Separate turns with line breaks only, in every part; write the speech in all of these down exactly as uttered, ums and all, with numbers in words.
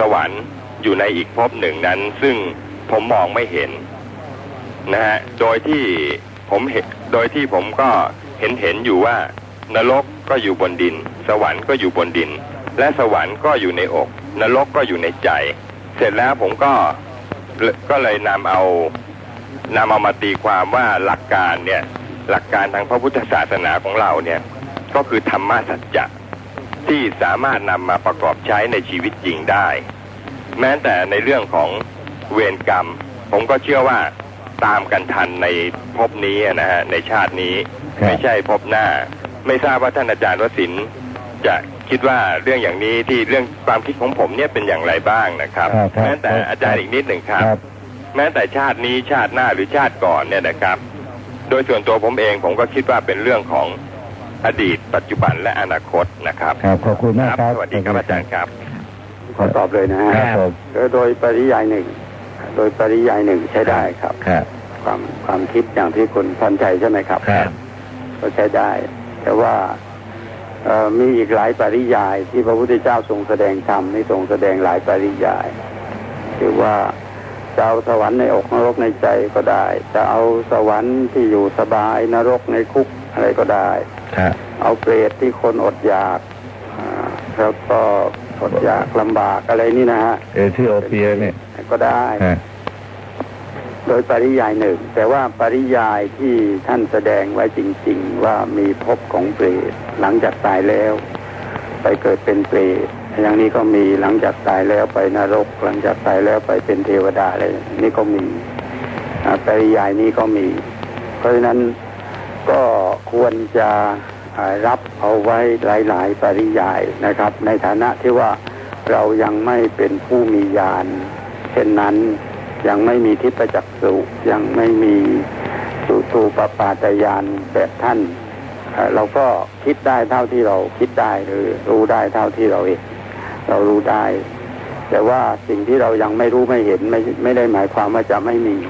วรรค์อยู่ในอีกภพหนึ่งนั้นซึ่งผมมองไม่เห็นนะฮะโดยที่ผมเห็นโดยที่ผมก็เห็นเห็นอยู่ว่านรกก็อยู่บนดินสวรรค์ก็อยู่บนดินและสวรรค์ก็อยู่ในอกนรกก็อยู่ในใจเสร็จแล้วผมก็ก็เลยนำเอานำเอามาตีความว่าหลักการเนี่ยหลักการทางพระพุทธศาสนาของเราเนี่ยก็คือธรรมะสัจจะที่สามารถนำมาประกอบใช้ในชีวิตจริงได้แม้แต่ในเรื่องของเวรกรรมผมก็เชื่อว่าตามกันทันในภพนี้นะฮะในชาตินี้ไม่ใช่ภพหน้าไม่ทราบว่าท่านอาจารย์วสินทร์จะคิดว่าเรื่องอย่างนี้ที่เรื่องความคิดของผมเนี่ยเป็นอย่างไรบ้างนะครับแม้แต่อาจารย์อีกนิดหนึ่งครับแม้แต่ชาตินี้ชาติหน้าหรือชาติก่อนเนี่ยนะครับโดยส่วนตัวผมเองผมก็คิดว่าเป็นเรื่องของอดีตปัจจุบันและอนาคตนะครับ
ครับขอบคุณมากครับ
สวัสดีครับอาจารย์ครับ
ขอตอบเลยนะฮะโดยปริยายหนึ่งโดยปริยายหนึ่งใช้ได้ครับความความคิดอย่างที่คุณพรชัยใช่ไหมครับก็ใช้ได้แต่ว่ามีอีกหลายปริยายที่พระพุทธเจ้าทรงแสดงธรรมนี่ทรงแสดงหลายปริยายคือว่าจะเอาสวรรค์ในอกนรกในใจก็ได้จะเอาสวรรค์ที่อยู่สบายนรกในคุกอะไรก็ได้เอาเปรตที่คนอดอยากแล้วก็อดอยากลำบากอะไรนี่นะฮะ
เอที่โอเปียเนี่ย
ก็ได้โดยปริยายหนึ่งแต่ว่าปริยายที่ท่านแสดงไว้จริงๆว่ามีภพของเปรตหลังจากตายแล้วไปเกิดเป็นเปรตอย่างนี้ก็มีหลังจากตายแล้วไปนรกหลังจากตายแล้วไปเป็นเทวดาอะไรนี่ก็มีปริยายนี้ก็มีเพราะฉะนั้นก็ควรจะรับเอาไว้หลายๆปริยายนะครับในฐานะที่ว่าเรายังไม่เป็นผู้มีญาณเช่นนั้นยังไม่มีทิพจักษุยังไม่มีสุตูปปาตญาณแบบท่านเราก็คิดได้เท่าที่เราคิดได้หรือรู้ได้เท่าที่เราเองเรารู้ได้แต่ว่าสิ่งที่เรายังไม่รู้ไม่เห็นไม่ไม่ได้หมายความว่าจะไม่มี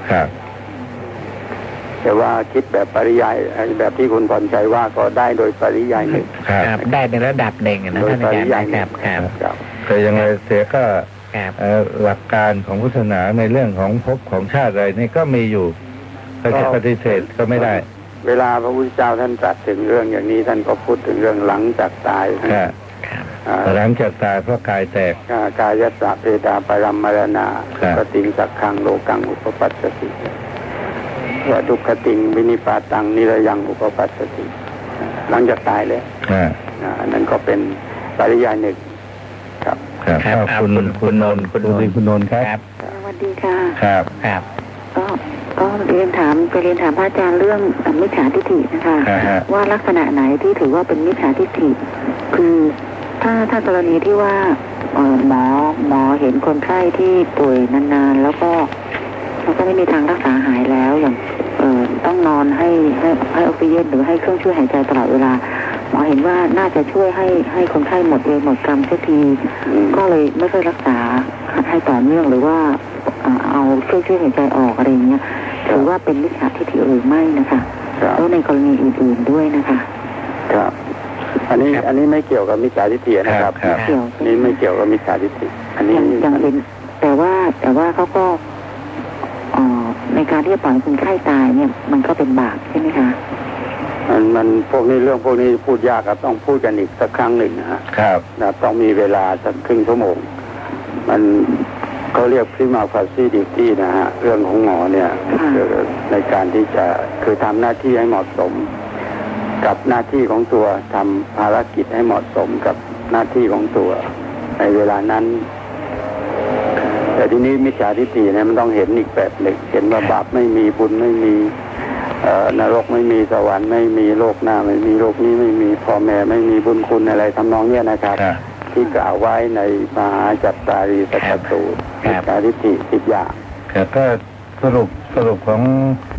แต่ว่าคิดแบบปริยายแบบที่คุณพรชัยว่าก็ได้โดยปริยายหนึ่ง
ได้ในระดับหนึ่งนะท่านอาจารย์ครับ
ครับแต่ยังไงเสียก็หลักการของพุทธศาสนาในเรื่องของภพของชาติอะไรนี่ก็มีอยู่ถ้าจะปฏิเสธก็ไม่ได้
เวลาพระพุทธเจ้าท่านตรัสถึงเรื่องอย่างนี้ท่านก็พูดถึงเรื่องหลังจากตาย
หลังจากตายเพราะกายแตก
กายยัสสะเพดาปรัมมรณาปติงสักขังโลกังอุปปัสสติว่าทุกขติงวินิปาตังนิระยังอุปปัสสติหลังจากตายแล้วอันนั้นก็เป็นปริยายหนึ่งครับ
ครับคุณคุณนนท์คุณนนท์คุณนนท์ครับ
สวัสดีค่ะ
ครับ
ครับ
ก็ก็เรียนถามไปเรียนถามพระอาจารย์เรื่องมิจฉาทิฏฐินะคะว่าลักษณะไหนที่ถือว่าเป็นมิจฉาทิฏฐิคือถ้าถ้ากรณีที่ว่าหมอหมอเห็นคนไข้ที่ป่วยนานๆแล้วก็แล้วก็ไม่มีทางรักษาหายแล้วอย่างต้องนอนให้ให้ให้ออกซิเจนหรือให้เครื่องช่วยหายใจตลอดเวลาหมอเห็นว่าน่าจะช่วยให้ให้คนไข้หมดเวรหมดกรรมสักทีก็เลยไม่ค่อยรักษาให้ต่อเนื่องหรือว่าเอาเครื่องช่วยหายใจออกอะไรอย่างเงี้ยถือว่าเป็นมิจฉาทิฏฐิหรือไม่นะคะแล้วในกรณีอื่นๆด้วยนะคะ
ครับอันนี้อันนี้ไม่เกี่ยวกับมิจฉาทิฏฐินะครับนี่ไม่เกี่ยวกับมิจฉาทิฏฐิอันนี้
ยังเป็นแต่ว่าแต่ว่าเขาก็ในการที่จะปล่อยคนไข้ตายเนี่ยมันก็เป็นบาปใช่ไหมคะ
มันมันพวกนี้เรื่องพวกนี้พูดยากครับต้องพูดกันอีกสักครั้งหนึ่งนะฮะ
ครับ
นะต้องมีเวลาสักครึ่งชั่วโมงมันเขาเรียกพริมาฟาซีดิตี้นะฮะเรื่องของหมอเนี่ยในการที่จะคือทำหน้าที่ให้เหมาะสมกับหน้าที่ของตัวทำภารกิจให้เหมาะสมกับหน้าที่ของตัวในเวลานั้นแต่ทีนี้มิจฉาทิฏฐิเนี่ยมันต้องเห็นอีกแบบหนึ่งเห็นว่าบาปไม่มีบุญไม่มีนรกไม่มีสวรรค์ไม่มีโลกหน้าไม่มีโลกนี้ไม่มีพ่อแม่ไม่มีบุญคุณอะไรทำนองเนี้ยนะครับที่กล่าวไว้ในมหาจัตตารีสัจจสูตรมิจฉาทิฏฐิสิบอย่าง
ก็สรุปสรุปของ